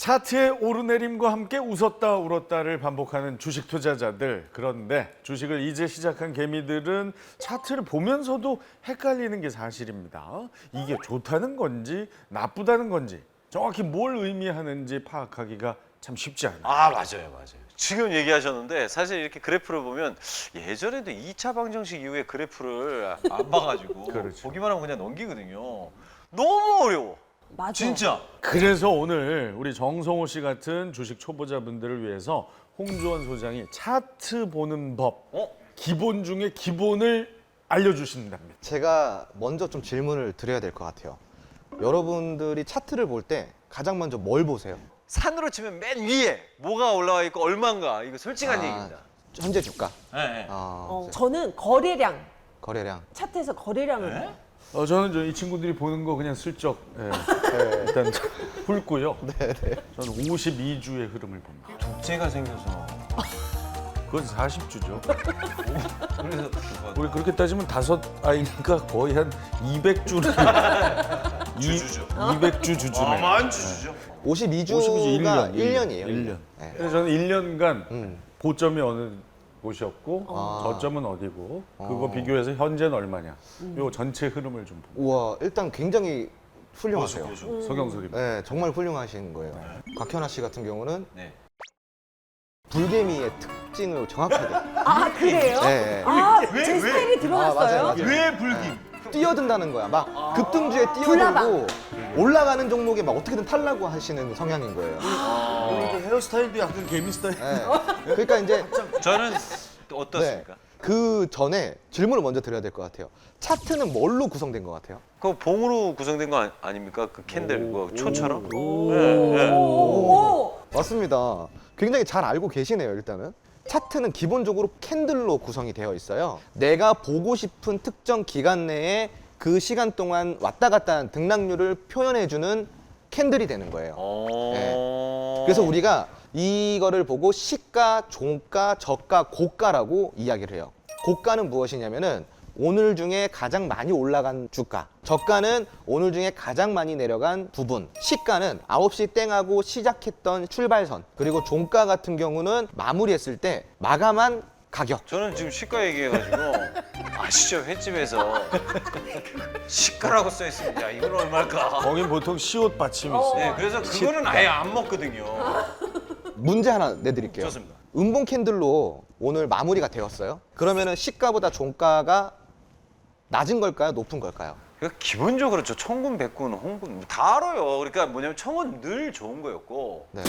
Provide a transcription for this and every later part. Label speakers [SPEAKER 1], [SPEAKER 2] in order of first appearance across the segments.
[SPEAKER 1] 차트의 오르내림과 함께 웃었다 울었다를 반복하는 주식 투자자들. 그런데 주식을 이제 시작한 개미들은 차트를 보면서도 헷갈리는 게 사실입니다. 이게 좋다는 건지 나쁘다는 건지 정확히 뭘 의미하는지 파악하기가 참 쉽지 않아요.
[SPEAKER 2] 아, 맞아요. 지금 얘기하셨는데 사실 이렇게 그래프를 보면 예전에도 2차 방정식 이후에 그래프를 안 봐가지고
[SPEAKER 1] 그렇죠.
[SPEAKER 2] 보기만 하면 그냥 넘기거든요. 너무 어려워.
[SPEAKER 3] 맞아.
[SPEAKER 2] 진짜.
[SPEAKER 1] 그래서 오늘 우리 정성호 씨 같은 주식 초보자분들을 위해서 홍주원 소장이 차트 보는 법, 기본 중에 기본을 알려주신답니다.
[SPEAKER 4] 제가 먼저 좀 질문을 드려야 될 것 같아요. 여러분들이 차트를 볼 때 가장 먼저 뭘 보세요?
[SPEAKER 2] 산으로 치면 맨 위에 뭐가 올라와 있고 얼마인가 이거 솔직한 얘기입니다.
[SPEAKER 4] 현재 주가,
[SPEAKER 2] 네.
[SPEAKER 3] 저는 거래량,
[SPEAKER 4] 거래량.
[SPEAKER 3] 차트에서 거래량을 봐요.
[SPEAKER 1] 저는 이 친구들이 보는 거 그냥 슬쩍 일단 훑고요. 저는 52주의 흐름을 봅니다.
[SPEAKER 2] 독재가 생겨서
[SPEAKER 1] 그건 40주죠.
[SPEAKER 2] 그래서
[SPEAKER 1] 우리 그렇게 따지면 5아이니까 거의 한 200주를
[SPEAKER 2] 주주죠.
[SPEAKER 1] 200주 주주네.
[SPEAKER 2] 어마한 주주죠.
[SPEAKER 4] 52주가 1년이에요.
[SPEAKER 1] 1년.
[SPEAKER 4] 네.
[SPEAKER 1] 그래서 저는 1년간 고점이 어느 곳이었고 저점은 어디고 그거 비교해서 현재는 얼마냐. 요 전체 흐름을 좀 봅니다.
[SPEAKER 4] 우와, 일단 굉장히 훌륭하세요.
[SPEAKER 1] 서경석입니다.
[SPEAKER 4] 네, 정말 훌륭하신 거예요. 곽현아 씨 같은 경우는
[SPEAKER 2] 네.
[SPEAKER 4] 불개미의 특징을 정확하게.
[SPEAKER 3] 아, 그래요?
[SPEAKER 4] 네.
[SPEAKER 3] 아, 제 스타일이 드러났어요?
[SPEAKER 4] 맞아요.
[SPEAKER 2] 왜 불김?
[SPEAKER 4] 뛰어든다는 거야. 막 급등주에 뛰어들고
[SPEAKER 3] 불나방.
[SPEAKER 4] 올라가는 종목에 막 어떻게든 탈라고 하시는 성향인 거예요.
[SPEAKER 1] 헤어스타일도 약간 개미 스타일.
[SPEAKER 4] 네. 그러니까 이제
[SPEAKER 2] 저는 어떻습니까?
[SPEAKER 4] 그 전에 질문을 먼저 드려야 될 것 같아요. 차트는 뭘로 구성된 것 같아요?
[SPEAKER 2] 그거 봉으로 구성된 거 아닙니까? 그 캔들 그거 초처럼?
[SPEAKER 3] 오.
[SPEAKER 4] 맞습니다. 굉장히 잘 알고 계시네요, 일단은. 차트는 기본적으로 캔들로 구성이 되어 있어요. 내가 보고 싶은 특정 기간 내에 그 시간 동안 왔다 갔다 한 등락률을 표현해주는 캔들이 되는 거예요. 그래서 우리가 이거를 보고 시가, 종가, 저가, 고가라고 이야기를 해요. 고가는 무엇이냐면은 오늘 중에 가장 많이 올라간 주가, 저가는 오늘 중에 가장 많이 내려간 부분, 시가는 9시 땡하고 시작했던 출발선, 그리고 종가 같은 경우는 마무리했을 때 마감한 가격.
[SPEAKER 2] 저는 지금 시가 얘기해가지고 아시죠? 횟집에서 시가라고 써 있습니다. 야, 이건 얼마일까?
[SPEAKER 1] 거긴 보통 시옷 받침이 있어요.
[SPEAKER 2] 네, 그래서 그거는 아예 안 먹거든요.
[SPEAKER 4] 문제 하나 내드릴게요.
[SPEAKER 2] 좋습니다.
[SPEAKER 4] 음봉 캔들로 오늘 마무리가 되었어요. 그러면은 시가보다 종가가 낮은 걸까요? 높은 걸까요?
[SPEAKER 2] 그러니까 기본적으로 저 청군, 백군, 홍군 다 알아요. 그러니까 뭐냐면 청은 늘 좋은 거였고
[SPEAKER 4] 네.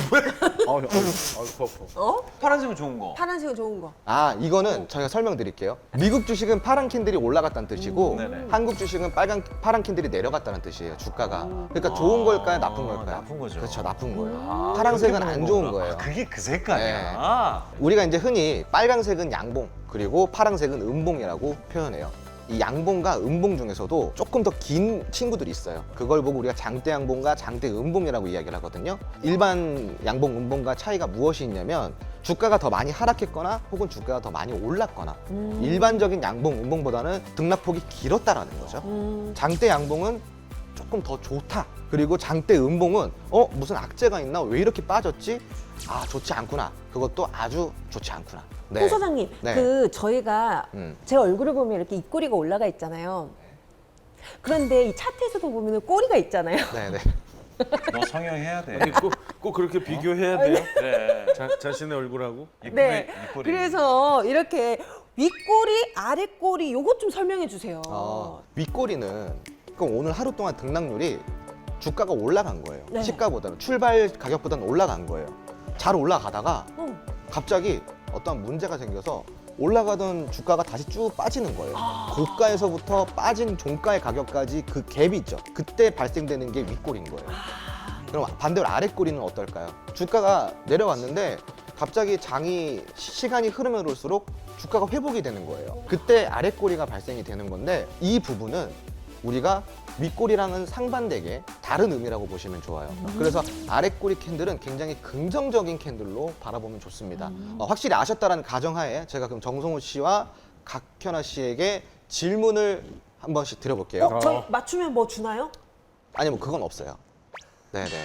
[SPEAKER 2] 파란색은 좋은 거.
[SPEAKER 3] 파란색은 좋은 거.
[SPEAKER 4] 아, 이거는 저희가 설명드릴게요. 미국 주식은 파란 캔들이 올라갔다는 뜻이고
[SPEAKER 2] 네네.
[SPEAKER 4] 한국 주식은 파란 캔들이 내려갔다는 뜻이에요, 주가가. 그러니까 좋은 걸까요? 나쁜 걸까요?
[SPEAKER 2] 나쁜 거죠.
[SPEAKER 4] 그렇죠, 나쁜 거예요. 파란색은 안 좋은 거예요.
[SPEAKER 2] 그게 그 색깔이야.
[SPEAKER 4] 우리가 이제 흔히 빨간색은 양봉, 그리고 파란색은 음봉이라고 표현해요. 이 양봉과 음봉 중에서도 조금 더 긴 친구들이 있어요. 그걸 보고 우리가 장대 양봉과 장대 음봉이라고 이야기를 하거든요. 일반 양봉, 음봉과 차이가 무엇이 있냐면 주가가 더 많이 하락했거나 혹은 주가가 더 많이 올랐거나 일반적인 양봉, 음봉보다는 등락폭이 길었다라는 거죠. 장대 양봉은 조금 더 좋다. 그리고 장대 음봉은 무슨 악재가 있나? 왜 이렇게 빠졌지? 아, 좋지 않구나. 그것도 아주 좋지 않구나.
[SPEAKER 3] 홍 소장님,
[SPEAKER 4] 네.
[SPEAKER 3] 저희가 제 얼굴을 보면 이렇게 입꼬리가 올라가 있잖아요. 그런데 이 차트에서도 보면 꼬리가 있잖아요.
[SPEAKER 4] 네네.
[SPEAKER 2] 너 성형해야 돼.
[SPEAKER 1] 아니, 꼭 그렇게 비교해야 돼요?
[SPEAKER 2] 그래.
[SPEAKER 1] 자신의 얼굴하고?
[SPEAKER 3] 네. 그래서 이렇게 윗꼬리, 아랫꼬리 요것 좀 설명해 주세요.
[SPEAKER 4] 윗꼬리는 그럼 오늘 하루 동안 등락률이 주가가 올라간 거예요.
[SPEAKER 3] 네.
[SPEAKER 4] 시가보다는 출발 가격보다는 올라간 거예요. 잘 올라가다가 갑자기 어떤 문제가 생겨서 올라가던 주가가 다시 쭉 빠지는 거예요. 고가에서부터 빠진 종가의 가격까지 그 갭이 있죠. 그때 발생되는 게 윗꼬리인 거예요. 그럼 반대로 아랫꼬리는 어떨까요? 주가가 내려왔는데 갑자기 시간이 흐르면 올수록 주가가 회복이 되는 거예요. 그때 아랫꼬리가 발생이 되는 건데 이 부분은 우리가 윗꼬리랑은 상반되게 다른 의미라고 보시면 좋아요. 그래서 아랫꼬리 캔들은 굉장히 긍정적인 캔들로 바라보면 좋습니다. 확실히 아셨다라는 가정하에 제가 그럼 정성호 씨와 각현아 씨에게 질문을 한 번씩 드려볼게요.
[SPEAKER 3] 저 맞추면 뭐 주나요?
[SPEAKER 4] 아니, 뭐 그건 없어요. 네네.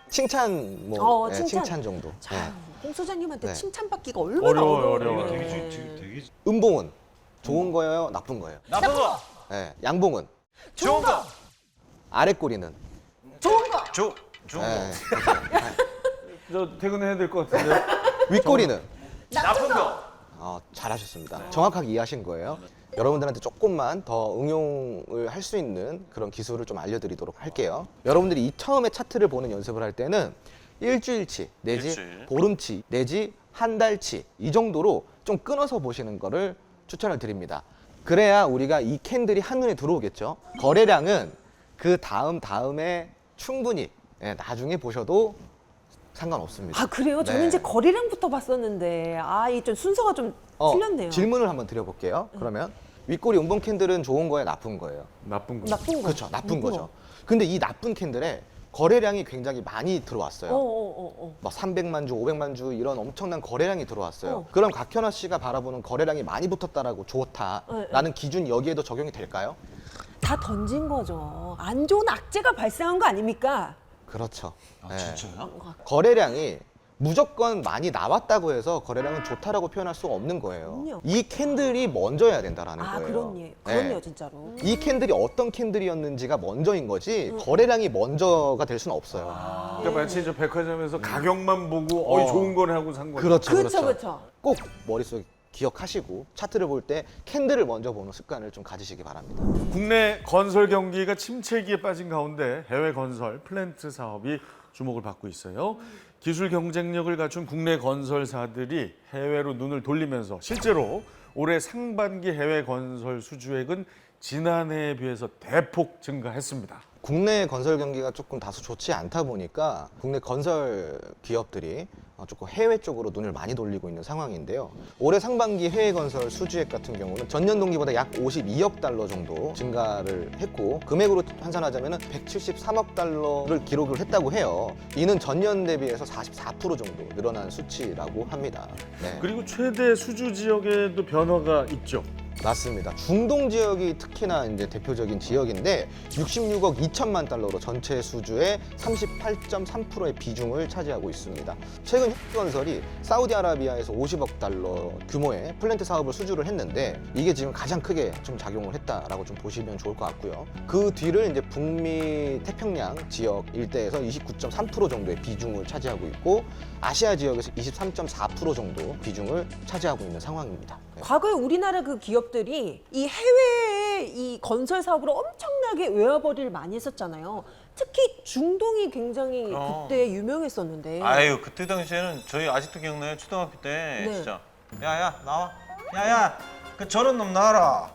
[SPEAKER 4] 칭찬 뭐
[SPEAKER 3] 어,
[SPEAKER 4] 예,
[SPEAKER 3] 칭찬.
[SPEAKER 4] 칭찬 정도.
[SPEAKER 3] 자,
[SPEAKER 4] 예.
[SPEAKER 3] 홍 소장님한테
[SPEAKER 4] 네.
[SPEAKER 3] 칭찬받기가 얼마나
[SPEAKER 1] 어려워요,
[SPEAKER 3] 어려워요.
[SPEAKER 1] 어려워요.
[SPEAKER 3] 네.
[SPEAKER 4] 음봉은 좋은 거예요, 나쁜 거예요?
[SPEAKER 2] 나쁜 거.
[SPEAKER 4] 예. 양봉은
[SPEAKER 2] 좋은 거.
[SPEAKER 4] 아랫꼬리는
[SPEAKER 3] 좋은 거.
[SPEAKER 2] 좋은 거.
[SPEAKER 4] 예.
[SPEAKER 1] 저 퇴근해야 될 것 같은데.
[SPEAKER 4] 윗꼬리는
[SPEAKER 2] 나쁜 거.
[SPEAKER 4] 잘하셨습니다. 정확하게 이해하신 거예요. 여러분들한테 조금만 더 응용을 할 수 있는 그런 기술을 좀 알려드리도록 할게요. 여러분들이 이 처음에 차트를 보는 연습을 할 때는 일주일치 내지
[SPEAKER 2] 일주일.
[SPEAKER 4] 보름치 내지 한 달치 이 정도로 좀 끊어서 보시는 거를 추천을 드립니다. 그래야 우리가 이 캔들이 한눈에 들어오겠죠. 거래량은 그 다음에 충분히 나중에 보셔도 상관없습니다.
[SPEAKER 3] 아 그래요? 저는
[SPEAKER 4] 네.
[SPEAKER 3] 이제 거리량부터 봤었는데 이 좀 순서가 좀 틀렸네요.
[SPEAKER 4] 질문을 한번 드려볼게요. 그러면 윗꼬리 음봉 캔들은 좋은 거예요, 나쁜 거예요?
[SPEAKER 1] 나쁜 거.
[SPEAKER 3] 나쁜 거.
[SPEAKER 4] 그렇죠, 나쁜
[SPEAKER 3] 나쁜
[SPEAKER 4] 거죠. 근데 이 나쁜 캔들에 거래량이 굉장히 많이 들어왔어요.
[SPEAKER 3] 어어어.
[SPEAKER 4] 막 300만 주, 500만 주 이런 엄청난 거래량이 들어왔어요.
[SPEAKER 3] 어.
[SPEAKER 4] 그럼 각현아 씨가 바라보는 거래량이 많이 붙었다라고 좋다라는 기준이 여기에도 적용이 될까요?
[SPEAKER 3] 다 던진 거죠. 안 좋은 악재가 발생한 거 아닙니까?
[SPEAKER 4] 그렇죠. 네.
[SPEAKER 2] 진짜요?
[SPEAKER 4] 거래량이 무조건 많이 나왔다고 해서 거래량은 좋다라고 표현할 수가 없는 거예요.
[SPEAKER 3] 그럼요.
[SPEAKER 4] 이 캔들이 먼저여야 된다라는
[SPEAKER 3] 아
[SPEAKER 4] 거예요.
[SPEAKER 3] 그럼요,
[SPEAKER 4] 네.
[SPEAKER 3] 진짜로.
[SPEAKER 4] 이 캔들이 어떤 캔들이었는지가 먼저인 거지 거래량이 먼저가 될 수는 없어요.
[SPEAKER 1] 그러니까 마치 저 백화점에서 가격만 보고 좋은 거네 하고 산 거죠.
[SPEAKER 4] 그렇죠,
[SPEAKER 3] 그렇죠,
[SPEAKER 4] 그렇죠.
[SPEAKER 3] 그렇죠.
[SPEAKER 4] 꼭 머릿속에 기억하시고 차트를 볼 때 캔들을 먼저 보는 습관을 좀 가지시기 바랍니다.
[SPEAKER 1] 국내 건설 경기가 침체기에 빠진 가운데 해외 건설 플랜트 사업이 주목을 받고 있어요. 기술 경쟁력을 갖춘 국내 건설사들이 해외로 눈을 돌리면서 실제로 올해 상반기 해외 건설 수주액은 지난해에 비해서 대폭 증가했습니다.
[SPEAKER 4] 국내 건설 경기가 조금 다소 좋지 않다 보니까 국내 건설 기업들이 조금 해외 쪽으로 눈을 많이 돌리고 있는 상황인데요. 올해 상반기 해외 건설 수주액 같은 경우는 전년 동기보다 약 52억 달러 정도 증가를 했고 금액으로 환산하자면 173억 달러를 기록을 했다고 해요. 이는 전년 대비해서 44% 정도 늘어난 수치라고 합니다. 네.
[SPEAKER 1] 그리고 최대 수주 지역에도 변화가 있죠.
[SPEAKER 4] 맞습니다. 중동 지역이 특히나 이제 대표적인 지역인데 66억 2천만 달러로 전체 수주의 38.3%의 비중을 차지하고 있습니다. 최근 현대건설이 사우디아라비아에서 50억 달러 규모의 플랜트 사업을 수주를 했는데 이게 지금 가장 크게 좀 작용을 했다라고 좀 보시면 좋을 것 같고요. 그 뒤를 이제 북미 태평양 지역 일대에서 29.3% 정도의 비중을 차지하고 있고 아시아 지역에서 23.4% 정도 비중을 차지하고 있는 상황입니다. 네.
[SPEAKER 3] 과거에 우리나라 그 기업들이 이 해외에 이 건설 사업으로 엄청나게 외화벌이를 많이 했었잖아요. 특히 중동이 굉장히 그때 유명했었는데.
[SPEAKER 2] 아유 그때 당시에는 저희 아직도 기억나요. 초등학교 때
[SPEAKER 3] 네.
[SPEAKER 2] 진짜. 야야 나와. 야야 그 저런 놈 나와라.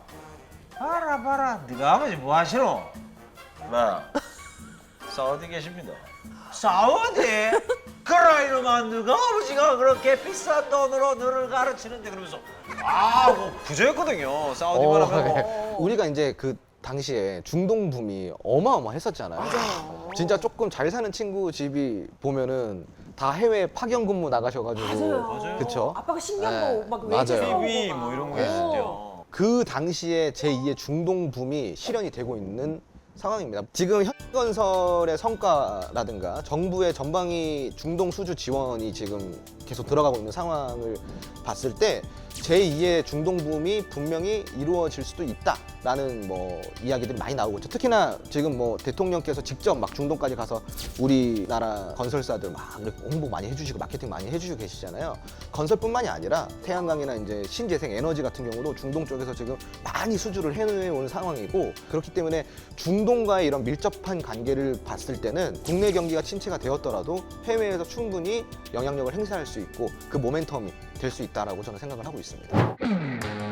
[SPEAKER 2] 봐라. 네가 아버지 뭐 하시노? 네. 사우디 계십니다. 사우디? 그라 이놈아 누가 아버지가 그렇게 비싼 돈으로 너를 가르치는데 그러면서 뭐 부자였거든요. 사우디만 하면 뭐.
[SPEAKER 4] 우리가 이제 그 당시에 중동 붐이 어마어마했었잖아요.
[SPEAKER 3] 맞아요.
[SPEAKER 4] 진짜 조금 잘 사는 친구 집이 보면은 다 해외 파견 근무 나가셔가지고
[SPEAKER 3] 맞아요.
[SPEAKER 4] 그쵸?
[SPEAKER 3] 아빠가 신경
[SPEAKER 4] 네,
[SPEAKER 3] 막
[SPEAKER 4] 맞아요.
[SPEAKER 3] 외제 사오고
[SPEAKER 2] TV
[SPEAKER 3] 막.
[SPEAKER 2] 뭐 이런 거
[SPEAKER 4] 네.
[SPEAKER 2] 있었죠.
[SPEAKER 4] 그 당시에 제2의 중동 붐이 실현이 되고 있는 상황입니다. 지금 현건설의 성과라든가 정부의 전방위 중동 수주 지원이 지금 계속 들어가고 있는 상황을 봤을 때 제2의 중동 붐이 분명히 이루어질 수도 있다라는 뭐 이야기들이 많이 나오고 있죠. 특히나 지금 뭐 대통령께서 직접 막 중동까지 가서 우리나라 건설사들 막 이렇게 홍보 많이 해주시고 마케팅 많이 해주시고 계시잖아요. 건설뿐만이 아니라 태양광이나 이제 신재생 에너지 같은 경우도 중동 쪽에서 지금 많이 수주를 해온 상황이고 그렇기 때문에 중동과의 이런 밀접한 관계를 봤을 때는 국내 경기가 침체가 되었더라도 해외에서 충분히 영향력을 행사할 수 있고 그 모멘텀이 될 수 있다라고 저는 생각을 하고 있습니다.